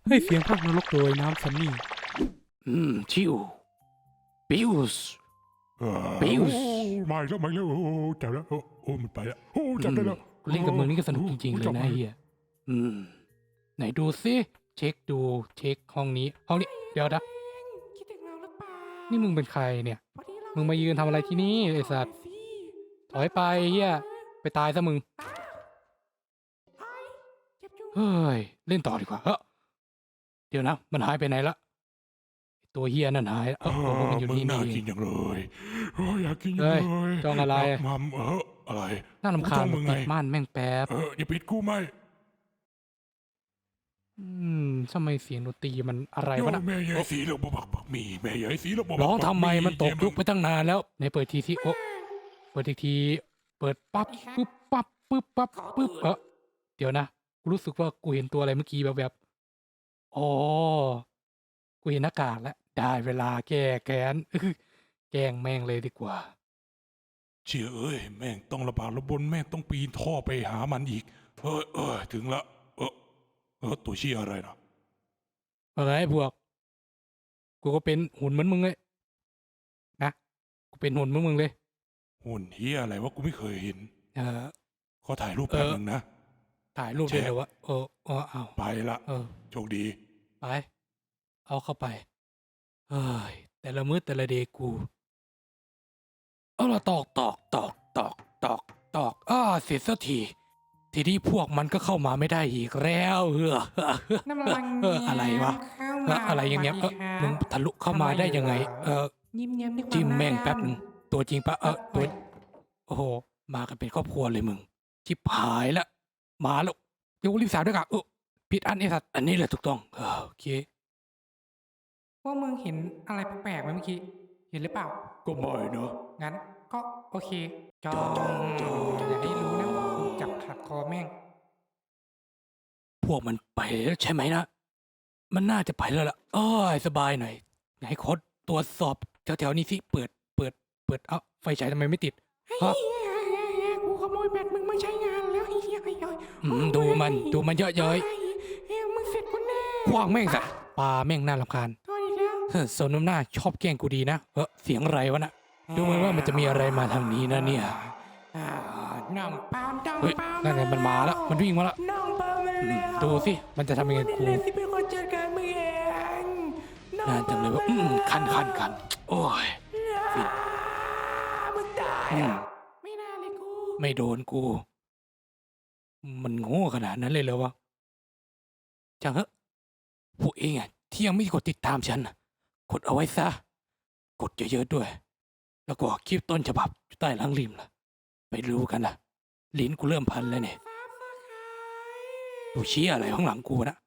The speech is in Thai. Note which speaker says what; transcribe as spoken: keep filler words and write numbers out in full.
Speaker 1: ให้เสียงภาคนรกโดยน้ำซันนี่
Speaker 2: อืมชิวปิวส์ ปิวส์
Speaker 3: มาอีกแล้วมาอีกแล้วโอ้โหจับแล้วโอ้โอ้มันไปแล้วโอ้จับได้แล้ว
Speaker 1: กูเล่นกับมึงนี่ก็สนุกจริงๆเลยนะเฮีย
Speaker 2: อืม
Speaker 1: ไหนดูซิเช็คดูเช็คห้องนี้ห้องนี้เดี๋ยวนะ
Speaker 4: คิดถึงเราหรือเปล่า
Speaker 1: นี่มึงเป็นใครเนี่ย
Speaker 4: พอดีเร
Speaker 1: มึงมายืนทำอะไรที่นี่ไอ้สัตว์ ถอยไปเฮียไปตายซะมึง
Speaker 4: ไอ้เจ็บจุง
Speaker 1: เฮ้ยเล่นต่อดีกว่าเฮ้ยเดี๋ยวนะมันหายไปไหนละไอ้ตัวเฮียนั่นหายเอ
Speaker 3: เอ
Speaker 1: อ
Speaker 3: อ
Speaker 1: มันอยู่
Speaker 3: มึง
Speaker 1: นี่
Speaker 3: น่า
Speaker 1: นี่เอ
Speaker 3: กิน
Speaker 1: ง
Speaker 3: อย่างเลยโอ้ยอยากกิน
Speaker 1: เฮ้
Speaker 3: จัง
Speaker 1: ย
Speaker 3: เลย
Speaker 1: จ้องอะไร
Speaker 3: ยากมัมเอออะไร
Speaker 1: น่ารำคาญ
Speaker 3: กูจ้องมึงไง
Speaker 1: ปิดม่านแม่งแป๊บ
Speaker 3: เอออย่าปิดกูไหม
Speaker 1: อืมทำไมเสียงดนตรีมันอะไร
Speaker 3: โยว
Speaker 1: ะนะ
Speaker 3: แม่ใหญ่สีแล้วบบักบักมีแม่ใหญ่สีแล้วบบัก
Speaker 1: ร้องทำไมมันตกยุคไป
Speaker 3: แ
Speaker 1: ตั้งนานแล้วในเปิดทีที่โอ้เปิดอีกทีเปิดปั๊บปุ๊บปั๊บปุ๊บปั๊บปุ๊บเออเดี๋ยวนะกูรู้สึกว่ากูเห็นตัวอะไรเมื่อกี้แบบแบบอ๋อกูเห็นหน้ากากแล้วได้เวลาแก้แค้น อื้อแกล้งแม่งเลยดีกว่า
Speaker 3: เชี่ยเอ้ยแม่งต้องระบาดระบนแม่งต้องปีนท่อไปหามันอีกเออเออถึงละเออเออตัวเชี่ยอะไรนะ
Speaker 1: อะไรพวก กูก็เป็นหุ่นเหมือนมึงเลยนะกูเป็นหุ่นเหมือนมึงเลย
Speaker 3: หุ่นเฮียอะไรวะกูไม่เคยเห็น
Speaker 1: เออ
Speaker 3: ขอถ่ายรูปแป๊บ
Speaker 1: เออ
Speaker 3: นึงนะ
Speaker 1: ถ่ายรูปได้เลยวะเออเออเอา
Speaker 3: ไปละ
Speaker 1: เออ
Speaker 3: โชคดี
Speaker 1: ไป เอาเข้าไป เฮ้ย แต่ละมื้อแต่ละเดย์กู เอาละตอกตอกตอกตอกตอกตอกอ้าเสร็จสักที ทีนี้พวกมันก็เข้ามาไม่ได้อีกแล้วเออ
Speaker 4: น้ำลัง
Speaker 1: เอออะไรวะ
Speaker 4: เข้า
Speaker 1: เอ
Speaker 4: มา
Speaker 1: ออะไรอย่างเงี้ยเออมึงทะลุเข้ามาได้ยังไง เออ
Speaker 4: ยิ้มแย้มด้วยความ
Speaker 1: จิ้มแม่ง
Speaker 4: น่ารัก
Speaker 1: แป๊บนึงตัวจริงปะเออตัว โอ้โห มากันเป็นครอบครัวเลยมึง ชิบหายละ มาแล้วเดี๋ยวรีบสาวด้วยกันเออผิดอันไอ้สัตว์อันนี้แหละถูกต้องเออโอเค
Speaker 4: พวกมึงเห็นอะไรแปลกๆไหมเมื่อกี้ เห็นหรือเปล่า
Speaker 3: ก็ไม่เนอะ
Speaker 4: งั้นก็โอเคจองอย่าให้รู้นะว่ากูจับขัดคอแม่ง
Speaker 1: พวกมันไปแล้วใช่ไหมนะ มันน่าจะไปแล้วล่ะอ้อยสบายหน่อยให้โค้ดตรวจสอบแถวๆนี้สิ เปิด เปิด เปิด เอ้า ไฟฉายทำไมไม่ติด ฮะ
Speaker 4: กูขโมยแบตมึงมาใช้งานแล้วไอ้เหี้ยไอ้เหี้ย
Speaker 1: อืมดูมัน ดูมันเยอะเย้ย
Speaker 4: เฮ้ยมึงเสร็จกูแน่
Speaker 1: คว้างแม่งซะปลาแม่งน่ารำคาญ
Speaker 4: โทษอีกแล้ว
Speaker 1: เฮ้อโซนน้ำหน้าชอบแกล้งกูดีนะ เออเสียงอะไรวะน่ะ ดูเหมือนว่ามันจะมีอะไรมาทางนี้นะเนี่ย
Speaker 4: อ่าน้องปามน้อง
Speaker 1: เฮ้ย
Speaker 4: ปาม
Speaker 1: นั่นไงมันมาแล้ว มันวิ่งมาแล้ว
Speaker 4: น้องปามมา
Speaker 1: อืม
Speaker 4: แล้ว
Speaker 1: ดูสิ มันจะทำยังไงกู
Speaker 4: นี่แหละที่เป็นคนจัดการมึงเอง
Speaker 1: นานจังเลยว่าอืมคันคันคันโอ้ย
Speaker 4: อ่ามึงตาย
Speaker 1: อืม
Speaker 4: อ่ะไม่น่าเลยกู
Speaker 1: ไม่โดนกู มันโง่ขนาดนั้นเลยเหรอวะจังเหอะพวกเองอ่ะที่ยังไม่กดติดตามฉันน่ะกดเอาไว้ซะ กดเยอะๆด้วย แล้วก็คลิปต้นฉบับอยู่ใต้หลังริมล่ะ ไปรู้กันล่ะ ลิ้นกูเริ่มพันแล้วเนี่ย
Speaker 4: ซับสไคร
Speaker 1: ดูชี้อะไรข้างหลังกูนะ